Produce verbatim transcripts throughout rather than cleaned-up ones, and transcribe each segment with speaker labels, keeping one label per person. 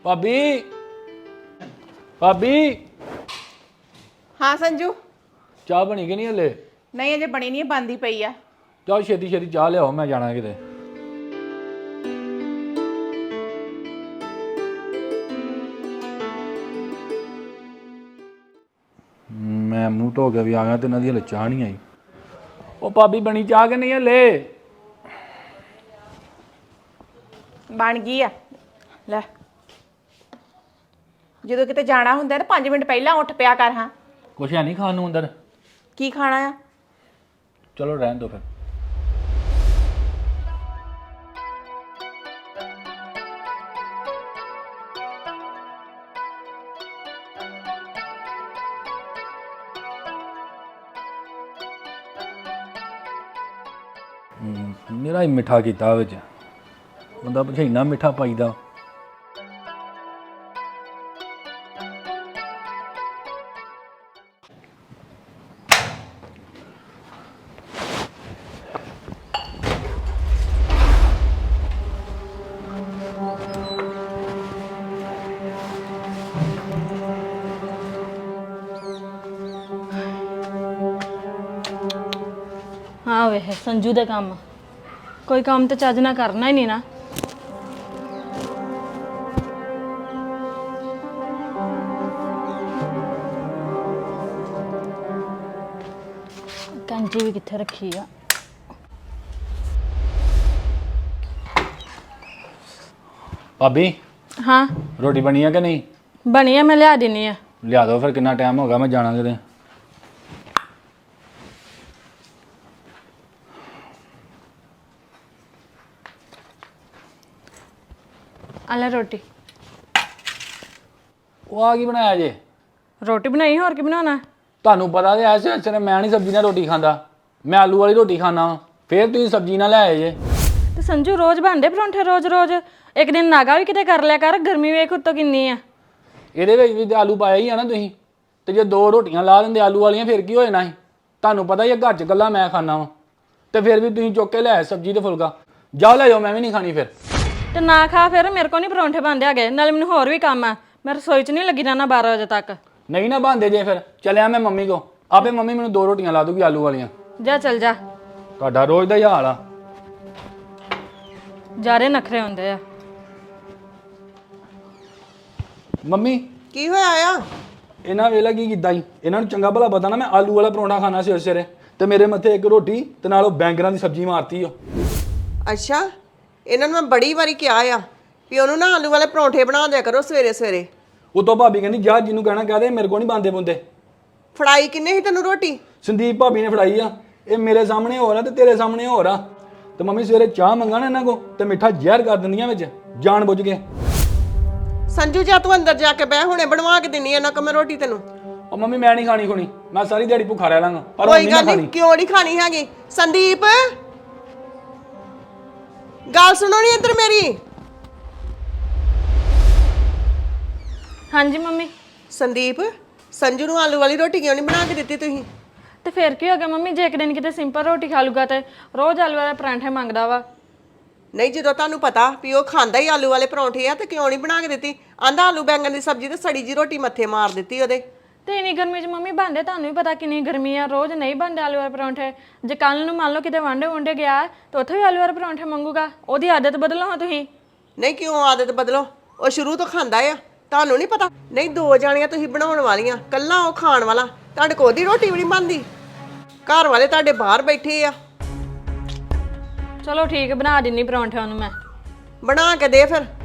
Speaker 1: भाभी भाभी
Speaker 2: हाँ संजू
Speaker 1: चाह बनी कि नहीं हले?
Speaker 2: नहीं अजे बनी नहीं बंद ही पई आ।
Speaker 1: चाह छेती छेती चाह लियाओ, मैं जाना किते। मैं मुंह धो के भी आ गया तो इन्हों दी हले चाह नहीं आई। ओ भाभी बनी चाह कि नहीं हले?
Speaker 2: बन गई आ ले। ਜਦੋਂ ਕਿਤੇ ਜਾਣਾ ਹੁੰਦਾ ਨਾ पाँच मिनट ਪਹਿਲਾਂ ਉੱਠ ਪਿਆ ਕਰ। ਹਾਂ
Speaker 1: कुछ है नहीं खाने अंदर?
Speaker 2: ਕੀ ਖਾਣਾ ਆ?
Speaker 1: चलो रहने दो फिर। मेरा ही मिठा किया बिच बंदा पिछे इन्ना मिठा पाईदा।
Speaker 3: हाँ वे संजू दे काम कोई काम तो चज ना करना ही नहीं ना। कैंची भी कित्थे रखी आ?
Speaker 1: भाभी
Speaker 3: हाँ
Speaker 1: रोटी बनी है कि नहीं?
Speaker 3: बनी है, मैं लिया देनी है।
Speaker 1: लिया दो फिर, कितना टाइम होगा, मैं जाना किते।
Speaker 3: आला रोटी
Speaker 1: वो आ की बनाया जे?
Speaker 3: रोटी बनाई होर की बनाना?
Speaker 1: ਤੁਹਾਨੂੰ ਪਤਾ ਤੇ ਐਸੇ ਐਸੇ ਮੈਂ ਨਹੀਂ ਸਬਜ਼ੀ ਨਾਲ ਰੋਟੀ ਖਾਂਦਾ, ਮੈਂ ਆਲੂ ਵਾਲੀ ਰੋਟੀ ਖਾਣਾ। ਫਿਰ ਤੁਸੀਂ ਸਬਜ਼ੀ ਨਾਲ ਲੈ ਆਏ ਜੇ।
Speaker 3: ਤੇ ਸੰਜੂ ਰੋਜ਼ ਬਣਦੇ ਪਰੌਂਠੇ ਰੋਜ਼ ਰੋਜ਼, ਇੱਕ ਦਿਨ ਨਾਗਾ ਵੀ ਕਿਤੇ ਕਰ ਲਿਆ ਕਰ। ਗਰਮੀ ਵੇਖ ਉੱਤੋਂ ਕਿੰਨੀ ਆ।
Speaker 1: ਇਹਦੇ ਵਿੱਚ ਵੀ ਤੇ ਆਲੂ ਪਾਇਆ ਹੀ ਆ ਨਾ ਤੁਸੀਂ, ਤੇ ਜੇ ਦੋ ਰੋਟੀਆਂ ਲਾ ਦਿੰਦੇ ਆਲੂ ਵਾਲੀਆਂ ਫਿਰ ਕੀ ਹੋ ਜਾਣਾ ਸੀ? ਤੁਹਾਨੂੰ ਪਤਾ ਹੀ ਆ ਘਰ 'ਚ ਗੱਲਾਂ ਮੈਂ ਖਾਣਾ ਵਾ, ਤੇ ਫਿਰ ਵੀ ਤੁਸੀਂ ਚੁੱਕ ਕੇ ਲੈ ਆਏ ਸਬਜ਼ੀ ਤੇ ਫੁਲਕਾ। ਜਾਓ ਲੈ ਜਾਓ, ਮੈਂ ਵੀ ਨਹੀਂ ਖਾਣੀ ਫਿਰ।
Speaker 3: ਤੇ ਨਾ ਖਾ ਫਿਰ, ਮੇਰੇ ਕੋਲ ਨਹੀਂ ਪਰੌਂਠੇ ਬਣਦੇ ਹੈਗੇ। ਨਾਲੇ ਮੈਨੂੰ ਹੋਰ ਵੀ ਕੰਮ ਆ, ਮੈਂ ਰਸੋਈ 'ਚ ਨਹੀਂ ਲੱਗੀ ਰਹਿਣਾ ਬਾਰਾਂ ਵਜੇ ਤੱਕ।
Speaker 1: ਨਹੀਂ ਨਾ ਬਣਦੇ ਜੇ ਫਿਰ ਚੱਲਿਆ ਮੈਂ ਮੰਮੀ ਕੋ, ਆਪੇ ਮੰਮੀ ਮੈਨੂੰ ਦੋ ਰੋਟੀਆਂ ਲਾ ਦੂਗੀ ਆਲੂ ਵਾਲੀਆਂ।
Speaker 3: ਜਾ ਚੱਲ ਜਾ।
Speaker 1: ਤੁਹਾਡਾ ਰੋਜ਼ ਦਾ ਹੀ ਹਾਲ ਆ।
Speaker 3: ਜਾਰੇ ਨਖਰੇ ਹੁੰਦੇ ਆ।
Speaker 1: ਮੰਮੀ
Speaker 2: ਕੀ ਹੋਇਆ ਆ?
Speaker 1: ਇਹਨਾਂ ਵੇਲਾ ਕੀ ਕੀਤਾ ਸੀ? ਇਹਨਾਂ ਨੂੰ ਚੰਗਾ ਭਲਾ ਪਤਾ ਨਾ ਮੈਂ ਆਲੂ ਵਾਲਾ ਪਰੌਂਠਾ ਖਾਣਾ ਸੀ ਉਸ ਸਵੇਰੇ, ਤੇ ਮੇਰੇ ਮੱਥੇ ਇੱਕ ਰੋਟੀ ਤੇ ਨਾਲ ਉਹ ਬੈਂਗਰਾਂ ਦੀ ਸਬਜ਼ੀ ਮਾਰਤੀ ਓ।
Speaker 4: ਅੱਛਾ, ਇਹਨਾਂ ਨੂੰ ਮੈਂ ਬੜੀ ਵਾਰੀ ਕਿਹਾ ਆ ਵੀ ਉਹਨੂੰ ਨਾ ਆਲੂ ਵਾਲੇ ਪਰੌਂਠੇ ਬਣਾ ਦਿਆ ਕਰੋ ਸਵੇਰੇ ਸਵੇਰੇ।
Speaker 1: ਉਤੋਂ ਭਾਬੀ ਕਹਿੰਦੀ ਜਾ ਜਿਹਨੂੰ ਕਹਿਣਾ ਕਹਦੇ, ਮੇਰੇ ਕੋਲ ਨਹੀਂ ਬੰਦੇ ਬੁੰਦੇ।
Speaker 4: ਫੜਾਈ ਕਿੰਨੇ ਸੀ ਤੈਨੂੰ ਰੋਟੀ?
Speaker 1: ਸੰਦੀਪ ਭਾਬੀ ਨੇ ਫੜਾਈ ਆ। ਇਹ ਮੇਰੇ ਸਾਹਮਣੇ ਹੋਰ ਆ ਤੇ ਤੇਰੇ ਸਾਹਮਣੇ ਹੋਰ ਆ। ਤੇ ਮੰਮੀ ਸਵੇਰੇ ਚਾਹ ਮੰਗਾ ਨਾ ਇਹਨਾਂ ਕੋ ਤੇ ਮਿੱਠਾ ਜ਼ਹਿਰ ਕਰ ਦਿੰਦੀਆਂ ਵਿੱਚ ਜਾਣ ਬੁੱਝ ਕੇ।
Speaker 4: ਸੰਜੂ ਜਾ ਤੂੰ ਅੰਦਰ ਜਾ ਕੇ ਬਹਿ, ਹੁਣੇ ਬਣਵਾ ਕੇ ਦਿੰਨੀ ਆ ਨਾ ਮੈਂ ਰੋਟੀ ਤੈਨੂੰ।
Speaker 1: ਉਹ ਮੰਮੀ ਮੈਂ ਨਹੀਂ ਖਾਣੀ ਖੁਣੀ, ਮੈਂ ਸਾਰੀ ਦਿਹਾੜੀ ਭੁੱਖਾ ਰਹਿ ਲਾਂਗਾ, ਪਰ
Speaker 4: ਕੋਈ ਗੱਲ ਨਹੀਂ, ਕਿਉਂ ਨਹੀਂ ਖਾਣੀ ਹੈਗੀ? ਸੰਦੀਪ ਗੱਲ ਸੁਣੋ ਨੀ ਇੱਧਰ ਮੇਰੀ।
Speaker 3: ਹਾਂਜੀ ਮੰਮੀ।
Speaker 4: ਸੰਦੀਪ, ਸੰਜੂ ਨੂੰ ਆਲੂ ਵਾਲੀ ਰੋਟੀ ਕਿਉਂ ਨਹੀਂ ਬਣਾ ਕੇ ਦਿੱਤੀ ਤੁਸੀਂ?
Speaker 3: ਤੇ ਫਿਰ ਕੀ ਹੋ ਗਿਆ ਮੰਮੀ, ਜੇ ਇੱਕ ਦਿਨ ਕਿਤੇ ਸਿੰਪਲ ਰੋਟੀ ਖਾ ਲੂਗਾ ਤੇ ਰੋਜ਼ ਆਲੂ ਵਾਲੇ ਪਰਾਂਠੇ ਮੰਗਦਾ ਵਾ।
Speaker 4: ਨਹੀਂ, ਜਦੋਂ ਤੁਹਾਨੂੰ ਪਤਾ ਵੀ ਉਹ ਖਾਂਦਾ ਹੀ ਆਲੂ ਵਾਲੇ ਪਰੌਂਠੇ ਆ ਤੇ ਕਿਉਂ ਨਹੀਂ ਬਣਾ ਕੇ ਦਿੱਤੀ? ਆਂਦਾ ਆਲੂ ਬੈਂਗਣ ਦੀ ਸਬਜ਼ੀ ਤੇ ਸੜੀ ਜੀ ਰੋਟੀ ਮੱਥੇ ਮਾਰ ਦਿੱਤੀ ਉਹਦੇ।
Speaker 3: ਤੇ ਇੰਨੀ ਗਰਮੀ 'ਚ ਮੰਮੀ ਬਣਦੇ, ਤੁਹਾਨੂੰ ਵੀ ਪਤਾ ਕਿੰਨੀ ਗਰਮੀ ਆ। ਰੋਜ਼ ਨਹੀਂ ਬਣਦੇ ਆਲੂ ਵਾਲੇ ਪਰੌਂਠੇ। ਜੇ ਕੱਲ ਨੂੰ ਮੰਨ ਲਓ ਕਿਤੇ ਵਾਂਡੇ ਵੁੰਡੇ ਗਿਆ ਤਾਂ ਉੱਥੇ ਵੀ ਆਲੂ ਵਾਲੇ ਪਰੌਂਠੇ ਮੰਗੂਗਾ। ਉਹਦੀ ਆਦਤ ਬਦਲੋ ਹਾਂ ਤੁਸੀਂ।
Speaker 4: ਨਹੀਂ, ਕਿਉਂ ਆਦਤ ਬਦਲੋ? ਉਹ ਸ਼ੁਰੂ ਤੋਂ ਖਾਂਦਾ ਆ, ਤੁਹਾਨੂੰ ਨਹੀਂ ਪਤਾ? ਨਹੀਂ, ਦੋ ਜਾਣੀਆਂ ਤੁਸੀਂ ਬਣਾਉਣ ਵਾਲੀਆਂ, ਕੱਲਾ ਉਹ ਖਾਣ ਵਾਲਾ। ਤੁਹਾਡੇ ਕੋਲ ਦੀ ਰੋਟੀ ਵੀ ਨਹੀਂ ਬਣਦੀ, ਘਰ ਵਾਲੇ ਤੁਹਾਡੇ ਬਾਹਰ ਬੈਠੇ ਆ।
Speaker 3: ਚਲੋ ਠੀਕ, ਬਣਾ ਦਿੰਨੀ ਪਰੌਂਠਿਆਂ ਨੂੰ ਮੈਂ।
Speaker 4: ਬਣਾ ਕੇ ਦੇ ਫਿਰ।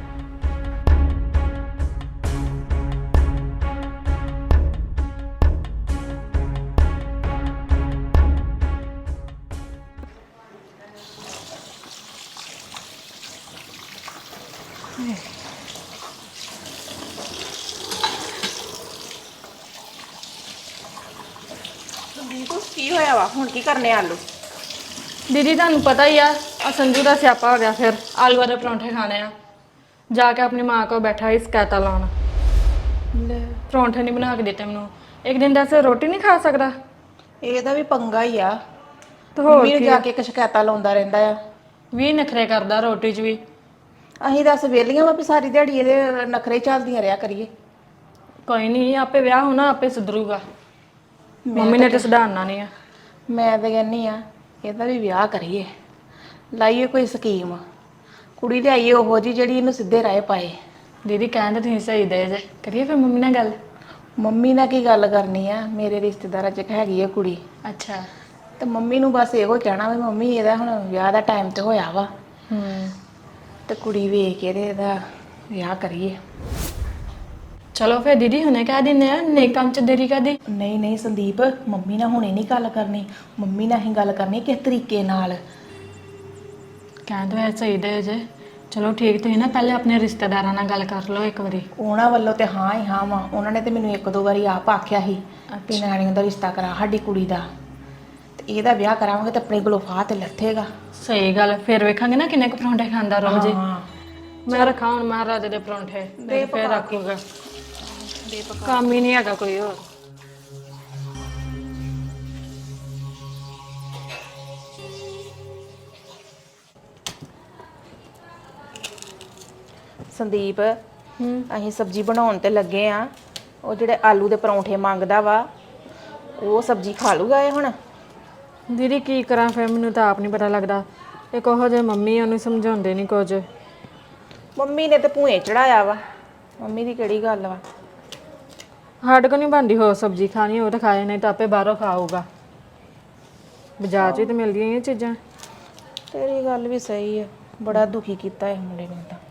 Speaker 2: ਕੀ ਹੋਇਆ ਵਾ ਹੁਣ? ਕੀ ਕਰਨੇ ਆਲੂ?
Speaker 3: ਦੀਦੀ ਤੁਹਾਨੂੰ ਪਤਾ ਹੀ ਆ, ਆ ਸੰਜੂ ਦਾ ਸਿਆਪਾ ਹੋ ਗਿਆ। ਫਿਰ ਆਲੂ ਵਾਲੇ ਪਰੌਂਠੇ ਖਾਣੇ ਆ। ਜਾ ਕੇ ਆਪਣੀ ਮਾਂ ਕੋਲ ਬੈਠਾ ਹੀ ਸ਼ਿਕਾਇਤਾਂ ਲਾਉਣ। ਲੈ ਪਰੌਂਠੇ ਨਹੀਂ ਬਣਾ ਕੇ ਦਿੱਤੇ ਮੈਨੂੰ। ਇੱਕ ਦਿਨ ਦੱਸ ਰੋਟੀ ਨਹੀਂ ਖਾ ਸਕਦਾ?
Speaker 2: ਇਹਦਾ ਵੀ ਪੰਗਾ ਹੀ ਆ।
Speaker 3: ਤੇ ਹੋਰ
Speaker 2: ਵੀਰ ਜਾ ਕੇ ਇੱਕ ਸ਼ਿਕਾਇਤਾਂ ਲਾਉਂਦਾ ਰਹਿੰਦਾ ਆ।
Speaker 3: ਵੀ ਨਖਰੇ ਕਰਦਾ ਰੋਟੀ 'ਚ ਵੀ।
Speaker 2: ਅਸੀਂ ਦੱਸ ਵਿਹਲੀਆਂ ਵਾ ਵੀ ਸਾਰੀ ਦਿਹਾੜੀ ਇਹਦੇ ਨਖਰੇ ਚੱਲਦੀਆਂ ਰਿਆ ਕਰੀਏ।
Speaker 3: ਕੋਈ ਨਹੀਂ, ਆਪੇ ਵਿਆਹ ਹੋਣਾ ਆਪੇ ਸੁਧਰੂਗਾ। ਮੰਮੀ ਨੇ ਤੇ ਸੁਧਾਰਨਾ ਨਹੀਂ ਆ।
Speaker 2: ਮੈਂ ਤਾਂ ਕਹਿੰਨੀ ਆ ਇਹਦਾ ਵੀ ਵਿਆਹ ਕਰੀਏ, ਲਾਈਏ ਕੋਈ ਸਕੀਮ, ਕੁੜੀ ਲਿਆਈਏ ਉਹੋ ਜੀ ਜਿਹੜੀ ਇਹਨੂੰ ਸਿੱਧੇ ਰਾਹ ਪਾਏ।
Speaker 3: ਦੀਦੀ ਕਹਿੰਦੇ ਤੁਸੀਂ ਸਹੀ ਦੇ ਜੇ, ਕਰੀਏ ਫਿਰ ਮੰਮੀ ਨਾਲ ਗੱਲ।
Speaker 2: ਮੰਮੀ ਨਾਲ ਕੀ ਗੱਲ ਕਰਨੀ ਆ, ਮੇਰੇ ਰਿਸ਼ਤੇਦਾਰਾਂ 'ਚ ਇੱਕ ਹੈਗੀ ਆ ਕੁੜੀ,
Speaker 3: ਅੱਛਾ।
Speaker 2: ਤੇ ਮੰਮੀ ਨੂੰ ਬਸ ਇਹੋ ਕਹਿਣਾ ਵੀ ਮੰਮੀ ਇਹਦਾ ਹੁਣ ਵਿਆਹ ਦਾ ਟਾਈਮ ਤੇ ਹੋਇਆ ਵਾ,
Speaker 3: ਹੂੰ
Speaker 2: ਤੇ ਕੁੜੀ ਵੇਖ ਕੇ ਤੇ ਇਹਦਾ ਵਿਆਹ ਕਰੀਏ।
Speaker 3: ਚਲੋ ਫਿਰ ਦੀਦੀ ਹੁਣੇ ਕਹਿ ਦਿੰਦੇ ਆ, ਨਹੀਂ ਕੰਮ ਚ ਦੇਰੀ ਕਰਦੀ।
Speaker 2: ਨਹੀਂ ਨਹੀਂ ਸੰਦੀਪ, ਮੰਮੀ ਨਾਲ ਹੁਣੇ ਨਹੀਂ ਗੱਲ ਕਰਨੀ, ਮੰਮੀ ਨਾਲ ਹੀ ਗੱਲ ਕਰਨੀ ਕਿਸ ਤਰੀਕੇ ਨਾਲ।
Speaker 3: ਕਹਿੰਦੇ ਐ ਸਹੀ ਦੇ ਜੇ। ਚਲੋ ਠੀਕ, ਤੁਸੀਂ ਨਾ ਪਹਿਲੇ ਆਪਣੇ ਰਿਸ਼ਤੇਦਾਰਾਂ ਨਾਲ ਗੱਲ ਕਰ ਲਓ ਇੱਕ ਵਾਰੀ।
Speaker 2: ਉਹਨਾਂ ਵੱਲੋਂ ਤੇ ਹਾਂ ਹੀ ਹਾਂ ਵਾ, ਉਹਨਾਂ ਨੇ ਤੇ ਮੈਨੂੰ ਇੱਕ ਦੋ ਵਾਰੀ ਆਪ ਆਖਿਆ ਸੀ ਕਿ ਨਿਆਣੀਆਂ ਦਾ ਰਿਸ਼ਤਾ ਕਰਾ ਸਾਡੀ ਕੁੜੀ ਦਾ, ਤੇ ਇਹਦਾ ਵਿਆਹ ਕਰਾਵਾਂਗੇ ਤੇ ਆਪਣੇ ਕੋਲੋਂ ਫਾਹ ਤੇ ਲੱਥੇਗਾ।
Speaker 3: ਸਹੀ ਗੱਲ, ਫਿਰ ਵੇਖਾਂਗੇ ਨਾ ਕਿੰਨੇ ਕੁ ਪਰੌਂਠੇ ਖਾਂਦਾ ਰੋਜ਼ ਹੀ।
Speaker 2: ਹਾਂ
Speaker 3: ਮੈਂ ਰੱਖਾਂ ਹੁਣ ਮਹਾਰਾਜੇ ਦੇ ਪਰੌਂਠੇ, ਤੇ ਫਿਰ ਰੱਖੂਗਾ। ਕੰਮ ਹੀ ਨਹੀਂ ਹੈਗਾ ਕੋਈ ਹੋਰ।
Speaker 2: ਸੰਦੀਪ,
Speaker 3: ਹੂੰ
Speaker 2: ਅਸੀਂ ਸਬਜ਼ੀ ਬਣਾਉਣ ਤੇ ਲੱਗੇ ਆ, ਉਹ ਜਿਹੜੇ ਆਲੂ ਦੇ ਪਰੌਂਠੇ ਮੰਗਦਾ ਵਾ ਉਹ ਸਬਜ਼ੀ ਖਾ ਲੂਗਾ ਇਹ ਹੁਣ?
Speaker 3: ਦੀਦੀ ਕੀ ਕਰਾਂ ਫਿਰ, ਮੈਨੂੰ ਤਾਂ ਆਪ ਨਹੀਂ ਪਤਾ ਲੱਗਦਾ। ਇੱਕ ਉਹੋ ਜਿਹੇ ਮੰਮੀ ਉਹਨੂੰ ਸਮਝਾਉਂਦੇ ਨਹੀਂ ਕੁਝ।
Speaker 2: ਮੰਮੀ ਨੇ ਤੇ ਭੂਏ ਚੜਾਇਆ ਵਾ, ਮੰਮੀ ਦੀ ਕਿਹੜੀ ਗੱਲ ਵਾ।
Speaker 3: ਸਾਡੇ ਕੋਲ ਨਹੀਂ ਬਣਦੀ ਹੋਰ ਸਬਜ਼ੀ ਖਾਣੀ, ਉਹ ਤਾਂ ਖਾਏ ਨਹੀਂ ਤਾਂ ਆਪੇ ਬਾਹਰੋਂ ਖਾਊਗਾ। ਬਾਜ਼ਾਰ 'ਚ ਹੀ ਤਾਂ ਮਿਲਦੀਆਂ ਇਹ ਚੀਜ਼ਾਂ।
Speaker 2: ਤੇਰੀ ਗੱਲ ਵੀ ਸਹੀ ਹੈ, ਬੜਾ ਦੁਖੀ ਕੀਤਾ ਇਹ ਮੁੰਡੇ ਨੇ ਤਾਂ।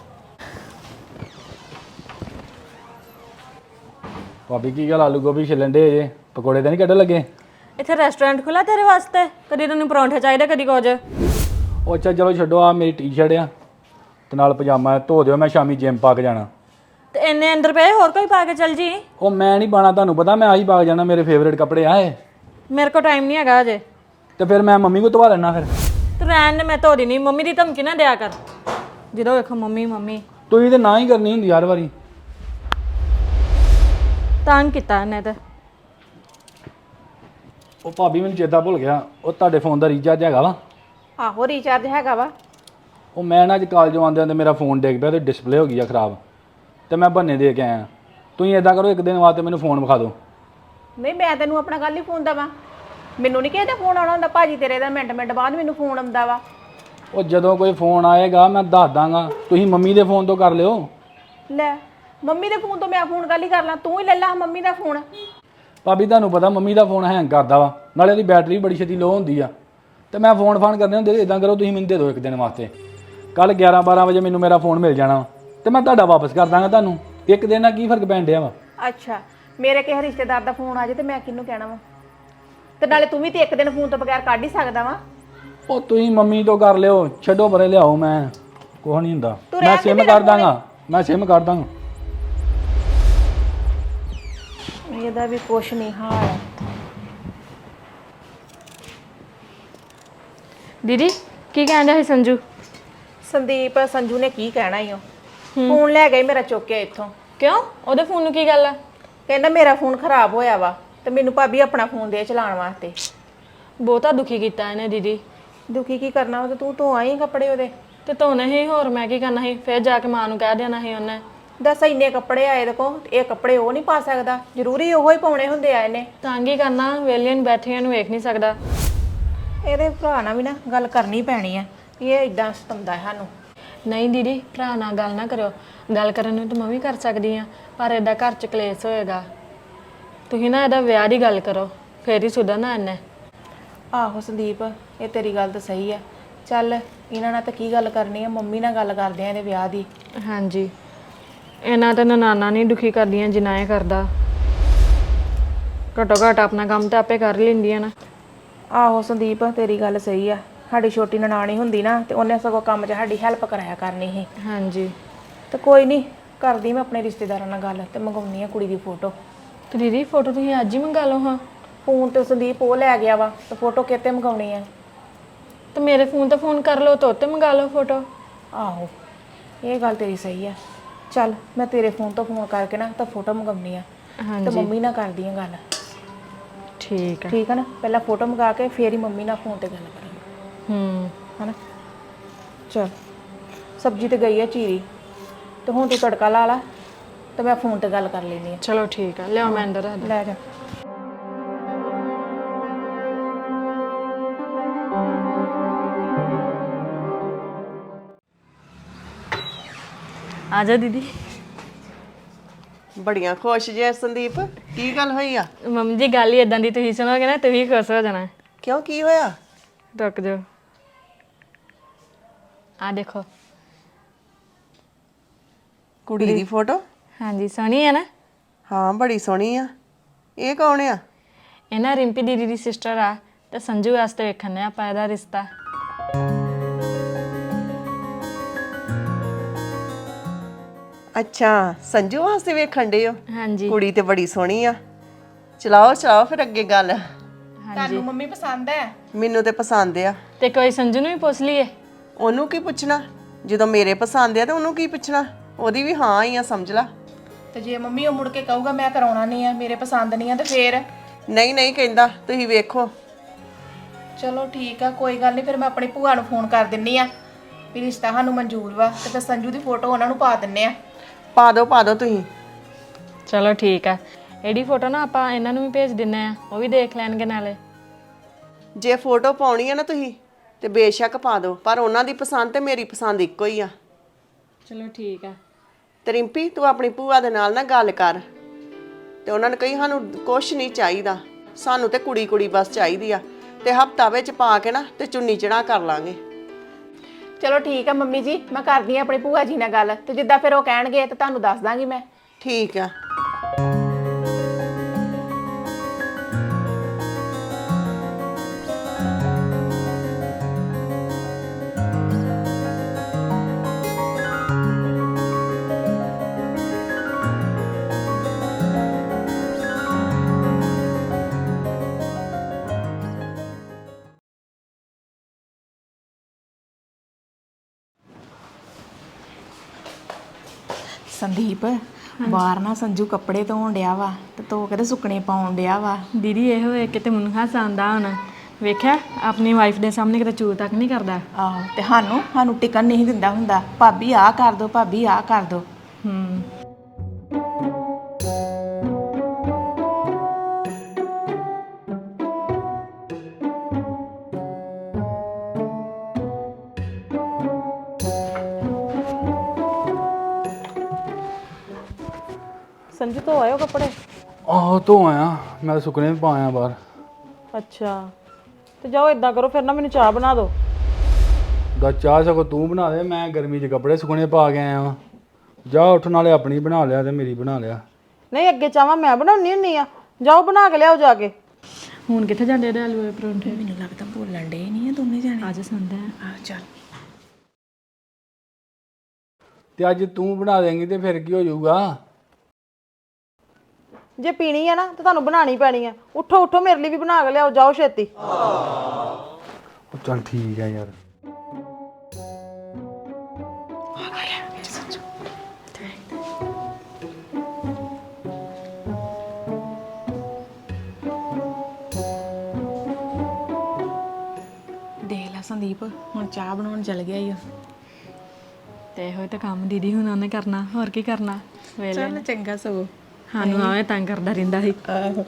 Speaker 1: ਭਾਬੀ ਕੀ ਗੱਲ ਆਲੂ ਗੋਭੀ ਛਿੱਲਣ ਦੇ ਜੇ, ਪਕੌੜੇ ਤਾਂ ਨਹੀਂ ਕੱਢਣ ਲੱਗੇ?
Speaker 3: ਇੱਥੇ ਰੈਸਟੋਰੈਂਟ ਖੁੱਲਾ ਤੇਰੇ ਵਾਸਤੇ? ਕਦੀ ਤੈਨੂੰ ਪਰੌਂਠੇ ਚਾਹੀਦੇ, ਕਦੀ ਕੁਝ।
Speaker 1: ਉਹ ਅੱਛਾ ਚਲੋ ਛੱਡੋ, ਆ ਮੇਰੀ ਟੀ-ਸ਼ਰਟ ਆ ਤੇ ਨਾਲ ਪਜਾਮਾ ਹੈ, ਧੋ ਦਿਓ, ਮੈਂ ਸ਼ਾਮੀ ਜਿਮ ਪਾ ਕੇ ਜਾਣਾ।
Speaker 3: ਤੇ ਇੰਨੇ ਅੰਦਰ ਪਏ, ਹੋਰ ਕੋਈ ਪਾ ਕੇ ਚੱਲ ਜੀ।
Speaker 1: ਉਹ ਮੈਂ ਨਹੀਂ ਪਾਣਾ, ਤੁਹਾਨੂੰ ਪਤਾ ਮੈਂ ਆਹੀ ਪਾ ਕੇ ਜਾਣਾ, ਮੇਰੇ ਫੇਵਰੇਟ ਕੱਪੜੇ ਆ ਇਹ।
Speaker 3: ਮੇਰੇ ਕੋਲ ਟਾਈਮ ਨਹੀਂ ਹੈਗਾ ਅਜੇ।
Speaker 1: ਤੇ ਫਿਰ ਮੈਂ ਮੰਮੀ ਕੋ ਧਵਾ ਲੈਣਾ ਫਿਰ।
Speaker 3: ਤੂੰ ਰਹਿਣ ਦੇ, ਮੈਂ ਧੋ ਦੇਣੀ। ਮੰਮੀ ਦੀ ਧਮਕੀ ਨਾ ਦਿਆ ਕਰ, ਜਦੋਂ ਵੇਖੋ ਮੰਮੀ ਮੰਮੀ।
Speaker 1: ਤੁਸੀਂ ਤੇ ਨਾ ਹੀ ਕਰਨੀ ਹੁੰਦੀ ਹਰ ਵਾਰੀ।
Speaker 3: ਤੰਗ ਕੀਤਾ ਇਹਨੇ ਤੇ।
Speaker 1: ਉਹ ਭਾਬੀ ਮੈਨੂੰ ਚੇਤਾ ਭੁੱਲ ਗਿਆ, ਉਹ ਤੁਹਾਡੇ ਫੋਨ ਦਾ ਰੀਚਾਰਜ ਹੈਗਾ ਵਾ?
Speaker 2: ਆਹੋ ਰੀਚਾਰਜ ਹੈਗਾ ਵਾ।
Speaker 1: ਉਹ ਮੈਂ ਨਾ ਅੱਜ ਕਾਲਜੋਂ ਆਉਂਦੇ ਆਉਂਦੇ ਮੇਰਾ ਫੋਨ ਡਿੱਗ ਪਿਆ ਤੇ ਡਿਸਪਲੇ ਹੋ ਗਈ ਆ ਖਰਾਬ, ਤੇ ਮੈਂ ਬੰਨੇ ਦੇ ਕੇ ਆਇਆ। ਤੁਸੀਂ ਇਦਾਂ ਕਰੋ, ਇੱਕ ਦਿਨ ਵਾਸਤੇ ਮੈਨੂੰ ਫੋਨ ਵਿਖਾ ਦਿਓ।
Speaker 2: ਨਹੀਂ ਮੈਂ ਤੈਨੂੰ ਆਪਣਾ ਗੱਲ ਹੀ ਫੋਨ ਦਵਾਂ, ਮੈਨੂੰ ਨਹੀਂ ਕਿਸੇ ਦਾ ਫੋਨ ਆਉਣਾ ਹੁੰਦਾ। ਭਾਜੀ ਤੇਰੇ ਦਾ ਮਿੰਟ ਮਿੰਟ ਬਾਅਦ ਮੈਨੂੰ ਫੋਨ ਆਉਂਦਾ ਵਾ।
Speaker 1: ਉਹ ਜਦੋਂ ਕੋਈ ਫੋਨ ਆਏਗਾ ਮੈਂ ਦੱਸ ਦਾਂਗਾ, ਤੁਸੀਂ ਮੰਮੀ ਦੇ ਫੋਨ ਤੋਂ ਕਰ ਲਿਓ।
Speaker 2: ਲੈ ਮੰਮੀ ਦੇ ਫੋਨ ਤੋਂ ਮੈਂ ਫੋਨ ਗੱਲ ਹੀ ਕਰ ਲਾਂ, ਤੂੰ ਹੀ ਲੈ ਲਾ ਮੰਮੀ ਦਾ ਫੋਨ।
Speaker 1: ਭਾਬੀ ਤੁਹਾਨੂੰ ਪਤਾ ਮੰਮੀ ਦਾ ਫੋਨ ਹੈਂਗ ਕਰਦਾ ਵਾ, ਨਾਲੇ ਉਹਦੀ ਬੈਟਰੀ ਬੜੀ ਛੇਤੀ ਲੋ ਹੁੰਦੀ ਆ, ਤੇ ਮੈਂ ਫੋਨ ਫਾਨ ਕਰਨੇ ਹੁੰਦੇ। ਇਦਾਂ ਕਰੋ ਤੁਸੀਂ ਮੈਨੂੰ ਦੇ ਦਿਓ ਇੱਕ ਦਿਨ ਵਾਸਤੇ, ਕੱਲ ਗਿਆਰਾਂ ਬਾਰਾਂ ਵਜੇ ਮੈਨੂੰ ਮੇਰਾ ਫੋਨ ਮਿਲ ਜਾਣਾ ਤੇ ਮੈਂ ਤੁਹਾਡਾ ਵਾਪਸ ਕਰ ਦਾਂਗਾ ਤੁਹਾਨੂੰ। ਇੱਕ ਦਿਨ ਨਾਲ ਕੀ ਫਰਕ ਪੈਣ ਡਿਆ ਵਾ?
Speaker 2: ਅੱਛਾ ਮੇਰੇ ਕਿਸੇ ਰਿਸ਼ਤੇਦਾਰ ਦਾ ਫੋਨ ਆ ਜਾਏ ਤੇ ਮੈਂ ਕਿਹਨੂੰ ਕਹਿਣਾ ਵਾ? ਤੇ ਨਾਲੇ ਤੂੰ ਵੀ ਤੇ ਇੱਕ ਦਿਨ ਫੋਨ ਤੋਂ ਬਗੈਰ ਕੱਢ ਹੀ ਸਕਦਾ ਵਾ।
Speaker 1: ਉਹ ਤੁਸੀਂ ਮੰਮੀ ਤੋਂ ਕਰ ਲਿਓ, ਛੱਡੋ ਪਰੇ, ਲਿਆਓ, ਮੈਂ ਕੁਛ ਨਹੀਂ ਹੁੰਦਾ,
Speaker 2: ਤੂੰ
Speaker 1: ਮੈਂ
Speaker 2: ਰਹਿਣ ਦੇ
Speaker 1: ਸਿਮ
Speaker 2: ਮੇਰਾ
Speaker 1: ਕਰ ਦਾਂਗਾ, ਮੈਂ ਸਿਮ ਕਰ ਦਾਂਗਾ।
Speaker 2: ਇਹਦਾ ਵੀ ਕੁਛ ਨਹੀਂ ਹਾਲ।
Speaker 3: ਦੀਦੀ ਕੀ ਕਹਿੰਦਾ ਸੀ ਸੰਜੂ?
Speaker 2: ਸੰਦੀਪ, ਸੰਜੂ ਨੇ ਕੀ ਕਹਿਣਾ ਈ ਉਹ, ਫੋਨ ਲੈ ਗਈ ਮੇਰਾ ਚੁੱਕ ਕੇ ਇੱਥੋਂ।
Speaker 3: ਕਿਉਂ? ਉਹਦੇ ਫੋਨ ਨੂੰ ਕੀ ਗੱਲ ਆ?
Speaker 2: ਕਹਿੰਦਾ ਮੇਰਾ ਫੋਨ ਖਰਾਬ ਹੋਇਆ ਵਾ ਤੇ ਮੈਨੂੰ ਭਾਬੀ ਆਪਣਾ ਫੋਨ ਦੇ ਚਲਾਉਣ ਵਾਸਤੇ।
Speaker 3: ਬਹੁਤਾ ਦੁਖੀ ਕੀਤਾ ਇਹਨੇ ਦੀਦੀ।
Speaker 2: ਦੁਖੀ ਕੀ ਕਰਨਾ, ਉਹ ਤੇ ਤੂੰ ਧੋ ਆਈ ਕੱਪੜੇ ਉਹਦੇ।
Speaker 3: ਤੇ ਧੋਣੇ ਹੀ, ਹੋਰ ਮੈਂ ਕੀ ਕਰਨਾ ਸੀ? ਫਿਰ ਜਾ ਕੇ ਮਾਂ ਨੂੰ ਕਹਿ ਦੇਣਾ ਸੀ ਉਹਨੇ।
Speaker 2: ਦੱਸ ਇੰਨੇ ਕੱਪੜੇ ਆਏ ਇਹਦੇ ਕੋਲ, ਇਹ ਕੱਪੜੇ ਉਹ ਨਹੀਂ ਪਾ ਸਕਦਾ? ਜ਼ਰੂਰੀ ਉਹੋ ਹੀ ਪਾਉਣੇ ਹੁੰਦੇ ਆ ਇਹਨੇ?
Speaker 3: ਤੰਗ ਹੀ ਕਰਨਾ, ਵੇਲੀਆਂ ਨੂੰ ਬੈਠੀਆਂ ਨੂੰ ਵੇਖ ਨਹੀਂ ਸਕਦਾ।
Speaker 2: ਇਹਦੇ ਭਰਾ ਨਾਲ ਵੀ ਨਾ ਗੱਲ ਕਰਨੀ ਪੈਣੀ ਆ, ਇਹ ਇਦਾਂ ਸਤਾਉਂਦਾ ਹੈ ਸਾਨੂੰ।
Speaker 3: ਨਹੀਂ ਦੀਦੀ, ਭਰਾ ਨਾਲ ਗੱਲ ਨਾ ਕਰਿਓ, ਗੱਲ ਕਰਨ ਨੂੰ ਤਾਂ ਮੈਂ ਵੀ ਕਰ ਸਕਦੀ ਆ, ਪਰ ਇਹਦਾ ਘਰ ਚ ਕਲੇਸ਼ ਹੋਏਗਾ। ਤੁਸੀਂ ਨਾ ਇਹਦਾ ਵਿਆਹ ਦੀ ਗੱਲ ਕਰੋ, ਫੇਰ ਹੀ ਸੁਧਰਨਾ ਇਹਨੇ।
Speaker 2: ਆਹੋ ਸੰਦੀਪ, ਇਹ ਤੇਰੀ ਗੱਲ ਤਾਂ ਸਹੀ ਆ। ਚੱਲ ਇਹਨਾਂ ਨਾਲ ਤਾਂ ਕੀ ਗੱਲ ਕਰਨੀ ਆ, ਮੰਮੀ ਨਾਲ ਗੱਲ ਕਰਦੇ ਆ ਇਹਦੇ ਵਿਆਹ ਦੀ।
Speaker 3: ਹਾਂਜੀ, ਇਹਨਾਂ ਤਾਂ ਨਨਾਨਾ ਨਹੀਂ ਦੁਖੀ ਕਰਦੀਆਂ ਜਿੰਨਾ ਇਹ ਕਰਦਾ। ਘੱਟੋ ਘੱਟ ਆਪਣਾ ਕੰਮ ਤਾਂ ਆਪੇ ਕਰ ਲੈਂਦੀਆਂ ਨਾ।
Speaker 2: ਆਹੋ ਸੰਦੀਪ, ਤੇਰੀ ਗੱਲ ਸਹੀ ਆ। ਸਾਡੀ ਛੋਟੀ ਨਨਾਣੀ ਹੁੰਦੀ ਨਾ ਤੇ ਉਹਨੇ ਸਗੋਂ ਕੰਮ 'ਚ ਸਾਡੀ ਹੈਲਪ ਕਰਾਇਆ ਕਰਨੀ ਸੀ।
Speaker 3: ਹਾਂਜੀ,
Speaker 2: ਤੇ ਕੋਈ ਨਹੀਂ, ਕਰਦੀ ਮੈਂ ਆਪਣੇ ਰਿਸ਼ਤੇਦਾਰਾਂ ਨਾਲ ਗੱਲ ਤੇ ਮੰਗਾਉਣੀ ਆ ਕੁੜੀ ਦੀ ਫੋਟੋ।
Speaker 3: ਤੇ ਦੀਦੀ ਫੋਟੋ ਤੁਸੀਂ ਅੱਜ ਹੀ ਮੰਗਾ ਲਓ। ਹਾਂ,
Speaker 2: ਫੋਨ ਤੇ ਸੰਦੀਪ ਉਹ ਲੈ ਗਿਆ ਵਾ, ਤੇ ਫੋਟੋ ਕਿਤੇ ਮੰਗਾਉਣੀ ਆ?
Speaker 3: ਤੇ ਮੇਰੇ ਫੋਨ ਤੇ ਫੋਨ ਕਰ ਲਓ, ਤੋਂ ਤੇ ਮੰਗਾ ਲਓ ਫੋਟੋ।
Speaker 2: ਆਹੋ ਇਹ ਗੱਲ ਤੇਰੀ ਸਹੀ ਆ। ਚੱਲ ਮੈਂ ਤੇਰੇ ਫੋਨ ਤੋਂ ਫੋਨ ਕਰਕੇ ਨਾ ਤਾਂ ਫੋਟੋ ਮੰਗਾਉਣੀ ਆ, ਤੇ
Speaker 3: ਹਾਂਜੀ
Speaker 2: ਮੰਮੀ ਨਾਲ ਕਰਦੀ ਆ ਗੱਲ।
Speaker 3: ਠੀਕ ਆ।
Speaker 2: ਠੀਕ ਆ ਨਾ? ਪਹਿਲਾਂ ਫੋਟੋ ਮੰਗਾ ਕੇ ਫੇਰ ਹੀ ਮੰਮੀ ਨਾਲ ਫੋਨ ਤੇ ਗੱਲ ਕਰਾਂਗੇ,
Speaker 3: ਹੂੰ
Speaker 2: ਹਨਾ? ਚਲ ਸਬਜ਼ੀ ਤੇ ਗਈ ਆ ਚੀਰੀ ਤੇ ਹੁਣ ਤੂੰ ਤੜਕਾ ਲਾ ਲਾ ਤੇ ਮੈਂ ਫੋਨ ਤੇ ਗੱਲ ਕਰ ਲੈਂਦੀ ਆ।
Speaker 3: ਚਲੋ ਠੀਕ ਆ, ਲਿਆਓ ਮੈਂ ਅੰਦਰ ਰੱਖ
Speaker 2: ਲੈ ਜਾ।
Speaker 3: ਆ ਜਾ ਦੀਦੀ।
Speaker 4: ਬੜੀਆਂ ਖੁਸ਼ ਜੇ ਸੰਦੀਪ, ਕੀ ਗੱਲ ਹੋਈ ਆ?
Speaker 3: ਮੰਮੀ ਜੀ ਗੱਲ ਹੀ ਇਦਾਂ ਦੀ, ਤੁਸੀਂ ਸੁਣੋਗੇ ਨਾ ਤੁਸੀਂ ਖੁਸ਼ ਹੋ ਜਾਣਾ।
Speaker 4: ਕਿਉਂ, ਕੀ ਹੋਇਆ?
Speaker 3: ਰੁਕ ਜਾਓ, ਆ ਦੇਖੋ।
Speaker 4: ਕੁੜੀ ਦੀ ਫੋਟੋ?
Speaker 3: ਹਾਂਜੀ ਸੋਹਣੀ ਹੈ ਨਾ?
Speaker 4: ਹਾਂ ਬੜੀ ਸੋਹਣੀ ਆ। ਇਹ ਕੌਣ ਆ?
Speaker 3: ਇਹ ਨਾ ਰਿੰਪੀ ਦੀਦੀ ਦੀ ਸਿਸਟਰ ਆ ਤੇ ਸੰਜੂ ਵਾਸਤੇ ਵੇਖਣ ਨੇ ਆਪਾਂ ਇਹਦਾ ਰਿਸ਼ਤਾ।
Speaker 4: ਅੱਛਾ, ਸੰਜੂ ਵਾਸਤੇ ਵੇਖਣ ਦੇ ਹੋ?
Speaker 3: ਹਾਂਜੀ
Speaker 4: ਕੁੜੀ ਤੇ ਬੜੀ ਸੋਹਣੀ ਆ। ਚਲਾਓ ਚਲਾਓ ਫਿਰ ਅੱਗੇ ਗੱਲ।
Speaker 2: ਤੁਹਾਨੂੰ ਮੰਮੀ ਪਸੰਦ ਹੈ?
Speaker 4: ਮੈਨੂੰ ਤੇ ਪਸੰਦ ਆ।
Speaker 3: ਤੇ ਕੋਈ ਸੰਜੂ ਨੂੰ ਵੀ ਪੁੱਛ ਲਈਏ।
Speaker 4: ਉਹਨੂੰ ਕੀ ਪੁੱਛਣਾ, ਜਦੋਂ ਮੇਰੇ ਪਸੰਦ ਆ ਤੇ ਉਹਨੂੰ ਕੀ ਪੁੱਛਣਾ? ਉਹਦੀ ਵੀ ਹਾਂ ਹੀ ਆ ਸਮਝ ਲਾ।
Speaker 2: ਤੇ ਜੇ ਮੰਮੀ ਉਹ ਮੁੜ ਕੇ ਕਹੂਗਾ ਮੈਂ ਕਰਾਉਣਾ ਨਹੀਂ ਆ, ਮੇਰੇ ਪਸੰਦ ਨਹੀਂ ਆ, ਤੇ ਫੇਰ?
Speaker 4: ਨਹੀਂ ਨਹੀਂ ਕਹਿੰਦਾ, ਤੁਸੀਂ ਵੇਖੋ।
Speaker 2: ਚਲੋ ਠੀਕ ਆ, ਕੋਈ ਗੱਲ ਨਹੀਂ, ਫਿਰ ਮੈਂ ਆਪਣੀ ਭੂਆ ਨੂੰ ਫੋਨ ਕਰ ਦਿੰਨੀ ਆ ਵੀ ਰਿਸ਼ਤਾ ਸਾਨੂੰ ਮਨਜ਼ੂਰ ਵਾ, ਤੇ ਫਿਰ ਸੰਜੂ ਦੀ ਫੋਟੋ ਉਹਨਾਂ ਨੂੰ ਪਾ ਦਿੰਨੇ ਆ।
Speaker 4: ਪਾ ਦਿਓ ਪਾ ਦਿਓ ਤੁਸੀਂ।
Speaker 3: ਚਲੋ ਠੀਕ ਆ, ਇਹਦੀ ਫੋਟੋ ਨਾ ਆਪਾਂ ਇਹਨਾਂ ਨੂੰ ਵੀ ਭੇਜ ਦਿੰਨੇ ਆ, ਉਹ ਵੀ ਦੇਖ ਲੈਣਗੇ ਨਾਲੇ।
Speaker 4: ਜੇ ਫੋਟੋ ਪਾਉਣੀ ਆ ਨਾ ਤੁਸੀਂ ਤੇ ਬੇਸ਼ੱਕ ਪਾ ਦਿਓ, ਪਰ ਉਹਨਾਂ ਦੀ ਪਸੰਦ ਤੇ ਮੇਰੀ ਪਸੰਦ ਇੱਕੋ ਹੀ ਆ।
Speaker 3: ਚਲੋ ਠੀਕ ਆ।
Speaker 4: ਤੇ ਰਿੰਪੀ ਤੂੰ ਆਪਣੀ ਭੂਆ ਦੇ ਨਾਲ ਨਾ ਗੱਲ ਕਰ ਤੇ ਉਹਨਾਂ ਨੂੰ ਕਹੀ ਸਾਨੂੰ ਕੁਛ ਨਹੀਂ ਚਾਹੀਦਾ, ਸਾਨੂੰ ਤੇ ਕੁੜੀ ਕੁੜੀ ਬਸ ਚਾਹੀਦੀ ਆ, ਤੇ ਹਫਤਾ ਵਿੱਚ ਪਾ ਕੇ ਨਾ ਤੇ ਚੁੰਨੀ ਚੜਾ ਕਰ ਲਾਂਗੇ।
Speaker 2: ਚਲੋ ਠੀਕ ਆ ਮੰਮੀ ਜੀ, ਮੈਂ ਕਰਦੀ ਆ ਆਪਣੀ ਭੂਆ ਜੀ ਨਾਲ ਗੱਲ, ਤੇ ਜਿੱਦਾਂ ਫਿਰ ਉਹ ਕਹਿਣਗੇ ਤੇ ਤੁਹਾਨੂੰ ਦੱਸ ਦਾਂਗੀ ਮੈਂ।
Speaker 4: ਠੀਕ ਆ।
Speaker 2: ਸੰਦੀਪ, ਬਾਹਰ ਨਾ ਸੰਜੂ ਕੱਪੜੇ ਧੋਣ ਡਿਆ ਵਾ ਤੇ ਧੋ ਕੇ ਤੇ ਸੁੱਕਣੇ ਪਾਉਣ ਡਿਆ ਵਾ।
Speaker 3: ਦੀਦੀ ਇਹ ਹੋਏ ਕਿਤੇ ਮੈਨੂੰ ਹਾਸਾ ਆਉਂਦਾ ਹੁਣ, ਵੇਖਿਆ ਆਪਣੀ ਵਾਈਫ ਦੇ ਸਾਹਮਣੇ ਕਿਤੇ ਚੂਰ ਤੱਕ ਨਹੀਂ ਕਰਦਾ।
Speaker 2: ਆਹੋ, ਤੇ ਸਾਨੂੰ ਸਾਨੂੰ ਟਿਕਣ ਨਹੀਂ ਦਿੰਦਾ ਹੁੰਦਾ, ਭਾਬੀ ਆਹ ਕਰ ਦੋ, ਭਾਬੀ ਆਹ ਕਰ ਦੋ।
Speaker 3: ਹੂੰ
Speaker 5: ਸੰਜੂ ਤੋਂ ਆਇਓ ਕੱਪੜੇ?
Speaker 1: ਆਹੋ ਧੋ ਆਇਆ ਮੈਂ, ਤਾਂ ਸੁੱਕਣੇ ਵੀ ਪਾਇਆ ਬਾਹਰ।
Speaker 5: ਅੱਛਾ, ਤੇ ਜਾਓ ਇਦਾਂ ਕਰੋ ਫਿਰ ਨਾ ਮੈਨੂੰ ਚਾਹ ਬਣਾ ਦਿਓ।
Speaker 1: ਦਾ ਚਾਹ ਸਗੋਂ ਤੂੰ ਬਣਾ ਦੇ, ਮੈਂ ਗਰਮੀ 'ਚ ਕੱਪੜੇ ਸੁੱਕਣੇ ਪਾ ਕੇ ਆਇਆ ਵਾਂ। ਜਾ ਉੱਠ, ਨਾਲੇ ਆਪਣੀ ਬਣਾ ਲਿਆ ਤੇ ਮੇਰੀ ਬਣਾ ਲਿਆ।
Speaker 5: ਨਹੀਂ ਅੱਗੇ ਚਾਹਾਂ ਮੈਂ ਬਣਾਉਣੀ ਹੁੰਨੀ ਆ, ਜਾਓ ਬਣਾ ਕੇ ਲਿਆਓ ਜਾ ਕੇ।
Speaker 3: ਹੁਣ ਕਿੱਥੇ ਜਾਂਦੇ ਇਹਦੇ ਆਲੂ ਦੇ ਪਰੌਂਠੇ?
Speaker 2: ਮੈਨੂੰ ਲੱਗਦਾ ਬੋਲਣ ਡੇ ਨਹੀਂ ਆ ਦੋਨੇ ਜਾਣੇ।
Speaker 3: ਅੱਜ ਸੰਡੇ ਆ।
Speaker 2: ਆ ਚੱਲ।
Speaker 1: ਤੇ ਅੱਜ ਤੂੰ ਬਣਾ ਦੇਂਗੀ ਤੇ ਫਿਰ ਕੀ ਹੋ ਜਾਊਗਾ?
Speaker 5: ਜੇ ਪੀਣੀ ਆ ਨਾ ਤਾਂ ਤੁਹਾਨੂੰ ਬਣਾਣੀ ਪੈਣੀ ਆ। ਉੱਠੋ ਉੱਠੋ, ਮੇਰੇ ਲਈ ਵੀ ਬਣਾ ਕੇ ਲਿਆਓ, ਜਾਓ ਛੇਤੀ।
Speaker 1: ਉਹ ਚੱਲ ਠੀਕ ਹੈ ਯਾਰ।
Speaker 2: ਦੇਖ ਲੈ ਸੰਦੀਪ, ਹੁਣ ਚਾਹ ਬਣਾਉਣ ਚੱਲ ਗਿਆ ਈ।
Speaker 3: ਤੇ ਇਹੋ ਤਾਂ ਕੰਮ ਦੀਦੀ ਹੁਣ ਉਹਨੇ ਕਰਨਾ, ਹੋਰ ਕੀ ਕਰਨਾ ਵੇਲੇ।
Speaker 2: ਚੱਲ ਚੰਗਾ ਸਗੋਂ,
Speaker 3: ਸਾਨੂੰ ਆਵੇਂ ਤੰਗ ਕਰਦਾ ਰਹਿੰਦਾ ਸੀ।
Speaker 2: ਆਹੋ।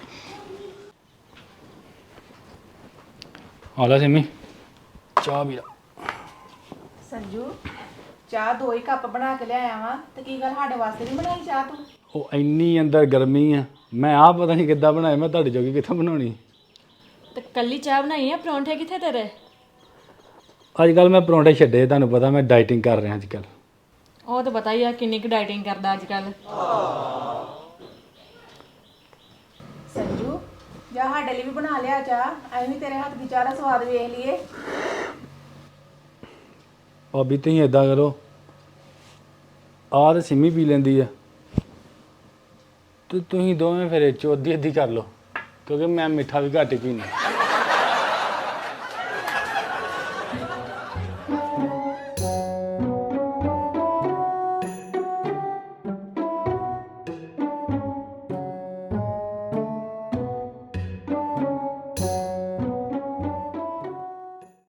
Speaker 1: ਆ ਲੈ ਸਿੰਮੀ, ਚਾਹ ਪੀ ਲਾ।
Speaker 2: ਸੰਜੂ, ਚਾਹ ਦੋ ਹੀ ਕੱਪ ਬਣਾ ਕੇ ਲਿਆਇਆ ਵਾਂ, ਤੇ ਕੀ ਗੱਲ ਸਾਡੇ ਵਾਸਤੇ ਨਹੀਂ ਬਣਾਈ ਚਾਹ ਤੂੰ?
Speaker 1: ਉਹ ਇੰਨੀ ਅੰਦਰ ਗਰਮੀ ਆ, ਮੈਂ ਆਹ ਪਤਾ ਨਹੀਂ ਕਿੱਦਾਂ ਬਣਾਏ, ਮੈਂ ਤੁਹਾਡੇ ਜੋਗੀ ਕਿੱਥੋਂ ਬਣਾਉਣੀ।
Speaker 3: ਤੇ ਕੱਲੀ ਚਾਹ ਬਣਾਈ ਆ, ਪਰੌਂਠੇ ਕਿੱਥੇ ਤੇਰੇ?
Speaker 1: ਅੱਜ ਕੱਲ ਮੈਂ ਪਰੌਂਠੇ ਛੱਡੇ, ਤੁਹਾਨੂੰ ਪਤਾ ਮੈਂ ਡਾਈਟਿੰਗ ਕਰ ਰਿਹਾ ਅੱਜ ਕੱਲ।
Speaker 3: ਉਹ ਤਾਂ ਪਤਾ ਹੀ ਆ ਕਿੰਨੀ ਕੁ ਡਾਈਟਿੰਗ ਕਰਦਾ ਅੱਜ ਕੱਲ।
Speaker 2: ਸੰਜੂ, ਜਾ ਸਾਡੇ ਲਈ ਵੀ ਬਣਾ ਲਿਆ ਚਾਹ, ਅਸੀਂ ਵੀ ਤੇਰੇ ਹੱਥ ਦੀ ਚਾਹ ਦਾ ਸਵਾਦ ਵੇਖ ਲਈਏ।
Speaker 1: ਭਾਬੀ ਤੁਸੀਂ ਏਦਾਂ ਕਰੋ, ਆਹ ਤੇ ਸਿੰਮੀ ਪੀ ਲੈਂਦੀ ਆ, ਤੇ ਤੁਸੀਂ ਦੋਵੇਂ ਫਿਰ ਇਹ 'ਚੋਂ ਅੱਧੀ ਅੱਧੀ ਕਰ ਲਓ, ਕਿਉਂਕਿ ਮੈਂ ਮਿੱਠਾ ਵੀ ਘੱਟ ਹੀ ਪੀਂਦਾ।